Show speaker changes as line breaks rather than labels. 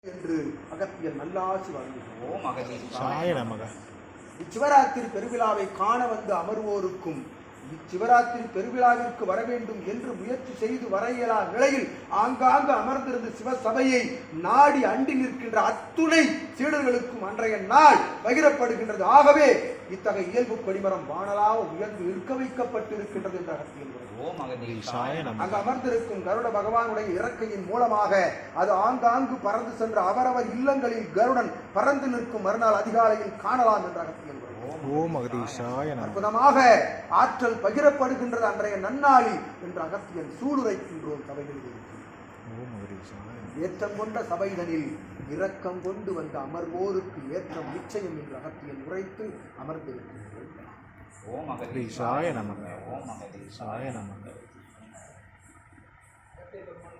என்று அகத்தியர் நல்லாசி வழங்குகிறோம். இச்சிவராத்திரி பெருவிழாவை காண வந்து அமர்வோருக்கும் இச்சிவராத்திரி பெருவிழாவிற்கு வர வேண்டும் என்று முயற்சி செய்து வர இயலா நிலையில் ஆங்காங்கு அமர்ந்திருந்த சிவசபையை நாடி அண்டி நிற்கின்ற அத்துணை சீடர்களுக்கும் அன்றைய நாள் பகிரப்படுகின்றது. ஆகவே இத்தகைய இயல்பு கொடிமரம் வானலாக உயர்ந்து நிற்க வைக்கப்பட்டிருக்கின்றது என்ற அகத்தியர் அங்கு அமர்ந்திருக்கும் கருட பகவானுடைய இறக்கையின் மூலமாக அது ஆங்காங்கு பறந்து சென்ற அவரவர் இல்லங்களில் கருடன் பறந்து நிற்கும் மறுநாள் அதிகாலையில் காணலாம் என்ற அகத்தியர் அற்புதமாக ஆற்றல் பகிரப்படுகின்றது அன்றைய நன்னாளில் என்று அகத்தியன் சூளுரைக்கின்றோம். சபைகளில் ஏற்றம் கொண்ட சபைதனில் இரக்கம் கொண்டு வந்த அமர்வோருக்கு ஏற்றம் நிச்சயம் என்று அகத்தியன் உரைத்து அமர்ந்திருக்கின்றோம்.
ஓம் அகதீஷாய நமக. ஓம் அகதீஷாய நமக.